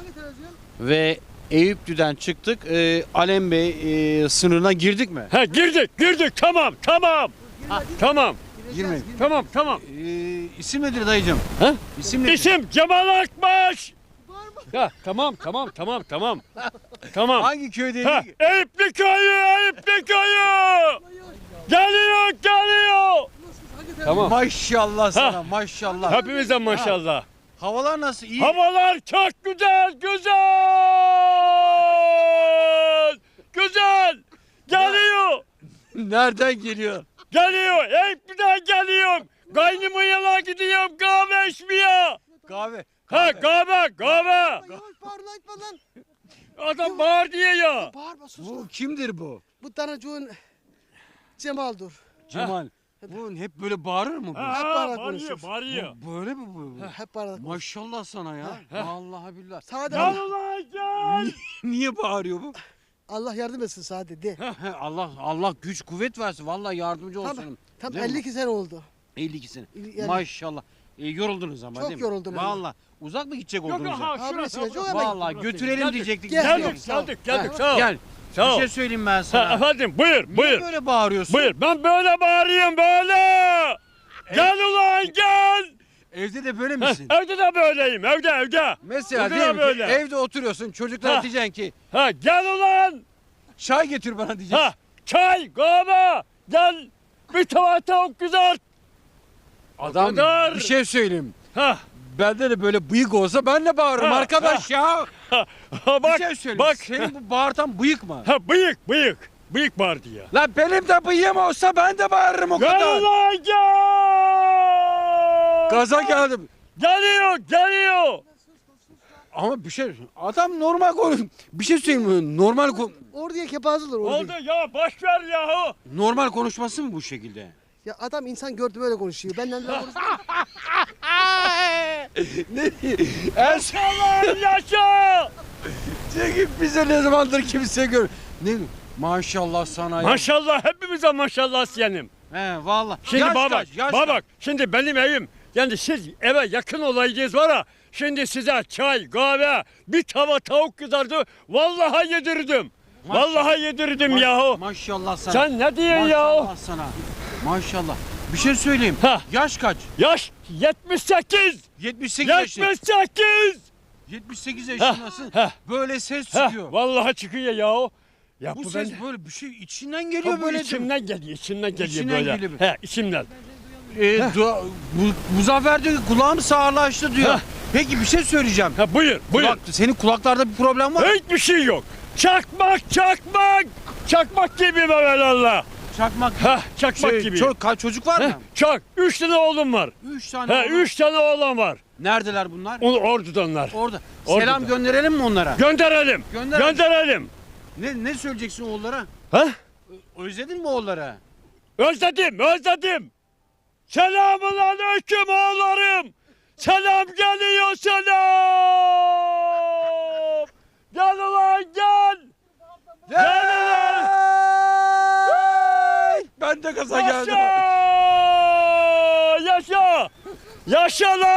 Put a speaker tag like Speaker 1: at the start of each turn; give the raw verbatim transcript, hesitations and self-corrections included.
Speaker 1: Hangi televizyon?
Speaker 2: Ve Eyüplü'den çıktık. Ee, Alem Bey e, sınırına girdik mi?
Speaker 3: Ha girdik girdik tamam tamam. Ha, tamam
Speaker 2: Girmedik.
Speaker 3: tamam tamam.
Speaker 2: Ee, isim nedir dayıcım?
Speaker 3: Ha?
Speaker 2: İsim nedir?
Speaker 3: İsim Cemal Akbaş. Ya tamam tamam tamam tamam. Tamam.
Speaker 2: Hangi köydeydik?
Speaker 3: Ha, Eyüplü köyü, Eyüplü köyü. Geliyor, geliyor. Tamam.
Speaker 2: Maşallah sana
Speaker 3: Ha.
Speaker 2: maşallah.
Speaker 3: Hepimize maşallah.
Speaker 2: Havalar nasıl? İyi.
Speaker 3: Havalar çok güzel, güzel. Güzel. Geliyor.
Speaker 2: Nereden geliyor?
Speaker 3: Geliyor. Eyüplü'den geliyorum. Kaynımın yana gidiyorum kahve içmeye.
Speaker 2: Kahve.
Speaker 3: Ha kahve, kahve.
Speaker 1: Yavaş bağır lan etme lan.
Speaker 3: Adam bağır diye ya.
Speaker 1: Bağırma sus.
Speaker 2: Bu kimdir bu?
Speaker 1: Bu tanıcığın Cemal'dur.
Speaker 2: Cemal. Bu hep böyle bağırır mı bu?
Speaker 3: Ha,
Speaker 1: Hep
Speaker 3: ha,
Speaker 1: bağırarak
Speaker 3: bağırıyor,
Speaker 1: konuşuyorsun.
Speaker 3: bağırıyor.
Speaker 2: Bu böyle mi bu?
Speaker 1: Hep bağırarak konuş.
Speaker 2: Maşallah sana ya. Vallahi billahi.
Speaker 1: Sade
Speaker 3: Gel
Speaker 1: Allah,
Speaker 3: ulan gel.
Speaker 2: Niye bağırıyor bu?
Speaker 1: Allah yardım etsin Sade de.
Speaker 2: He, Allah Allah güç kuvvet versin. Vallahi yardımcı olsun.
Speaker 1: Tam, tam
Speaker 2: Değil mi?
Speaker 1: elli iki sene oldu.
Speaker 2: elli iki sene.
Speaker 1: Yani-
Speaker 2: Maşallah. E, yoruldunuz ama
Speaker 1: Çok
Speaker 2: değil mi?
Speaker 1: yoruldum ben.
Speaker 2: Vallahi. Uzak mı gidecek
Speaker 3: Yok
Speaker 2: oldunuz?
Speaker 3: ha
Speaker 2: ya?
Speaker 3: şurası.
Speaker 1: Abi, çok
Speaker 3: burası.
Speaker 1: hemen-
Speaker 2: Vallahi götürelim
Speaker 3: Geldik.
Speaker 2: diyecektik.
Speaker 1: Gel,
Speaker 2: Gel.
Speaker 3: Geldik,
Speaker 1: Sağ ol.
Speaker 3: geldik, geldik.
Speaker 1: Ha.
Speaker 3: Sağ ol.
Speaker 2: Gel.
Speaker 3: Sağ
Speaker 2: Bir
Speaker 3: ol.
Speaker 2: şey söyleyeyim ben
Speaker 3: Ha,
Speaker 2: sana.
Speaker 3: efendim buyur,
Speaker 2: Niye
Speaker 3: buyur.
Speaker 2: böyle bağırıyorsun?
Speaker 3: Buyur. Ben böyle bağırıyorum böyle. Gel ulan gel.
Speaker 2: Evde de böyle
Speaker 3: Heh,
Speaker 2: misin?
Speaker 3: evde de böyleyim. Evde evde.
Speaker 2: Mesela
Speaker 3: Burada
Speaker 2: diyelim ki
Speaker 3: böyle.
Speaker 2: evde oturuyorsun çocuklara
Speaker 3: Ha.
Speaker 2: diyeceksin ki
Speaker 3: Ha gel ulan.
Speaker 2: çay getir bana diyeceksin.
Speaker 3: Ha çay, kahve. Gel. Bir tava tavuk kızart.
Speaker 2: Adam
Speaker 3: kadar.
Speaker 2: bir şey söyleyeyim.
Speaker 3: Ha.
Speaker 2: Bende de böyle bıyık olsa ben de bağırırım
Speaker 3: Ha,
Speaker 2: arkadaş ya.
Speaker 3: Ha, ha
Speaker 2: Bir
Speaker 3: bak.
Speaker 2: şey söyleyeyim.
Speaker 3: Bak.
Speaker 2: Senin bu bağırtan bıyık mı?
Speaker 3: Ha bıyık, bıyık. Bıyık var diye.
Speaker 2: Lan benim de bıyığım olsa ben de bağırırım o
Speaker 3: Gel
Speaker 2: kadar.
Speaker 3: ulan gel.
Speaker 2: Gaza geldim.
Speaker 3: Geliyor, geliyor.
Speaker 2: Ama bir şey adam normal konuş. Bir şey söyleyeyim mi? Normal ko-
Speaker 1: Orduya kepaze olur
Speaker 3: Oldu
Speaker 1: orduya.
Speaker 3: ya boş ver yahu.
Speaker 2: normal konuşması mı bu şekilde?
Speaker 1: Ya adam insan gördü böyle konuşuyor. Benden böyle konuşuyor.
Speaker 2: ne? En son
Speaker 3: Yaşa yaşa.
Speaker 2: çekip bize ne zamandır kimse gör. Ne? Maşallah sana ya.
Speaker 3: Maşallah hepimize maşallah senin.
Speaker 2: He vallahi.
Speaker 3: Şimdi
Speaker 2: Yaş
Speaker 3: baba bak,
Speaker 2: kaç, yaş
Speaker 3: baba
Speaker 2: kaç?
Speaker 3: bak. Şimdi benim evim. Yani siz eve yakın olaydınız var ya. Şimdi size çay, kahve, bir tava tavuk kızardı. Vallahi yedirdim.
Speaker 2: Maşallah.
Speaker 3: Vallahi yedirdim
Speaker 2: Ma-
Speaker 3: yahu.
Speaker 2: Maşallah sana.
Speaker 3: Sen ne diyorsun yahu?
Speaker 2: Maşallah sana. Maşallah. Bir şey söyleyeyim.
Speaker 3: Ha.
Speaker 2: Yaş kaç?
Speaker 3: Yaş yetmiş sekiz.
Speaker 2: yetmiş sekiz yaşında.
Speaker 3: yetmiş sekiz.
Speaker 2: yetmiş sekiz yaşındasın.
Speaker 3: heh.
Speaker 2: Böyle ses
Speaker 3: Heh,
Speaker 2: çıkıyor.
Speaker 3: vallahi çıkıyor yahu. Ya
Speaker 2: Bu
Speaker 3: bu
Speaker 2: ses
Speaker 3: ben
Speaker 2: böyle bir şey içinden geliyor
Speaker 3: Ha, bu
Speaker 2: böyle.
Speaker 3: içimden geliyor, içimden geliyor
Speaker 2: İçinden
Speaker 3: böyle.
Speaker 2: geliyor.
Speaker 3: He, içimden.
Speaker 2: Ee, dua- bu, Muzaffer diyor ki kulağım sağırlaştı diyor.
Speaker 3: Heh.
Speaker 2: Peki bir şey söyleyeceğim.
Speaker 3: Ha buyur, buyur.
Speaker 2: Kulak, senin kulaklarda bir problem var mı?
Speaker 3: Hiçbir şey yok. Çakmak, çakmak. Çakmak gibi Allah.
Speaker 2: Çakmak.
Speaker 3: Ha, çakmak
Speaker 2: Şey,
Speaker 3: gibi.
Speaker 2: ço- ka- çocuk var
Speaker 3: Heh,
Speaker 2: mı?
Speaker 3: çok. Üç tane oğlum var.
Speaker 2: Üç tane.
Speaker 3: He,
Speaker 2: oğlum.
Speaker 3: üç tane oğlan var.
Speaker 2: Neredeler bunlar?
Speaker 3: Onu ordudanlar.
Speaker 2: Orada.
Speaker 3: Orada.
Speaker 2: Selam gönderelim mi onlara?
Speaker 3: Gönderelim.
Speaker 2: Gönderelim.
Speaker 3: Gönderelim.
Speaker 2: Ne ne söyleyeceksin oğullara?
Speaker 3: Ha?
Speaker 2: Özledin mi oğullara?
Speaker 3: Özledim, özledim. Selamun aleyküm oğullarım. Selam geliyor selam. Gel ulan gel. Gel ulan.
Speaker 2: Ben de gaza
Speaker 3: Yaşa!
Speaker 2: geldim.
Speaker 3: Yaşa! Yaşa lan!